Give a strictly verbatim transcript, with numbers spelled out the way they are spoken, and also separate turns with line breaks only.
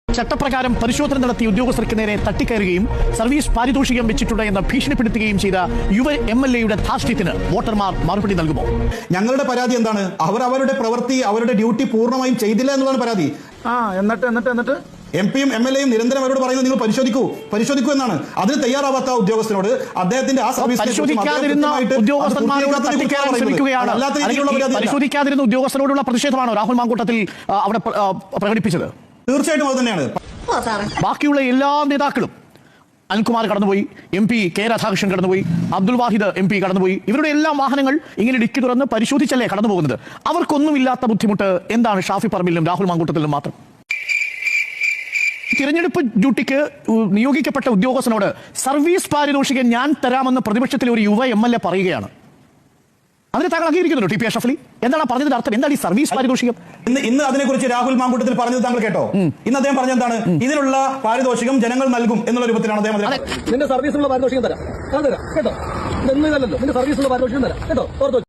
ചട്ടപ്രകാരം പരിശോധന നടത്തിയ ഉദ്യോഗസ്ഥർക്ക് നേരെ തട്ടിക്കയറുകയും സർവീസ് പാരിതോഷികം വെച്ചിട്ടുണ്ട് എന്ന് ഭീഷണിപ്പെടുത്തുകയും ചെയ്ത യുവ എം എൽ എയുടെ ധാർഷ്ട്യത്തിന് വോട്ടർമാർ മറുപടി നൽകുമോ?
ഞങ്ങളുടെ പരാതി എന്താണ്? അവർ അവരുടെ പ്രവൃത്തി അവരുടെ ഡ്യൂട്ടി പൂർണ്ണമായും ചെയ്തില്ല എന്നുള്ളതാണ് പരാതി.
ആ എന്നിട്ട് എന്നിട്ട് എന്നിട്ട്
എം പിയും എം എൽ എയും നിരന്തരം അവരോട് പറയുന്നത് നിങ്ങൾ പരിശോധിക്കൂ പരിശോധിക്കൂ എന്നാണ്. അതിന് തയ്യാറാവാത്ത ഉദ്യോഗസ്ഥനോട് അദ്ദേഹത്തിന്റെ ആ സർവീസ്
പരിശോധിക്കാതിരുന്ന ഉദ്യോഗസ്ഥരോടുള്ള പ്രതിഷേധമാണോ രാഹുൽ മാങ്കൂട്ടത്തിൽ അവിടെ പ്രകടിപ്പിച്ചത്?
തീർച്ചയായിട്ടും അത് തന്നെയാണ്.
ബാക്കിയുള്ള എല്ലാ നേതാക്കളും, അനിൽകുമാർ കടന്നുപോയി, എം പി കെ രാധാകൃഷ്ണൻ കടന്നുപോയി, അബ്ദുൽ വാഹിദ് എം പി കടന്നുപോയി, ഇവരുടെ എല്ലാ വാഹനങ്ങൾ ഇങ്ങനെ ഡിക്കി തുറന്ന് പരിശോധിച്ചല്ലേ കടന്നു പോകുന്നത്. അവർക്കൊന്നുമില്ലാത്ത ബുദ്ധിമുട്ട് എന്താണ് ഷാഫി പറമ്പിലും രാഹുൽ മാങ്കൂട്ടത്തിലും മാത്രം? തിരഞ്ഞെടുപ്പ് ഡ്യൂട്ടിക്ക് നിയോഗിക്കപ്പെട്ട ഉദ്യോഗസ്ഥനോട് സർവീസ് പാരിതോഷികം ഞാൻ തരാമെന്ന് പ്രതിപക്ഷത്തിലെ ഒരു യുവ എം എൽ എ പറയുകയാണ്. അതിന് താങ്കൾ അംഗീകരിക്കുന്നുണ്ടോ ടി പി അഷ്റഫ് അലി? എന്താണ് പറഞ്ഞതിന്റെ അർത്ഥം? എന്താണ് ഈ സർവീസ് പാരിതോഷികം?
ഇന്ന് ഇന്ന് അതിനെക്കുറിച്ച് രാഹുൽ മാങ്കൂട്ടത്തിൽ പറഞ്ഞത് താങ്കൾ കേട്ടോ? ഇന്ന് അദ്ദേഹം പറഞ്ഞ എന്താണ്? ഇതിനുള്ള പാരിതോഷികം ജനങ്ങൾ നൽകും എന്നുള്ള രൂപത്തിലാണ് അദ്ദേഹം.
നിന്റെ സർവീസിനുള്ള പാരിതോഷികം തരാം, കേട്ടോ? നിന്റെ സർവീസിനുള്ള പാരിതോഷികം തരാം, കേട്ടോ?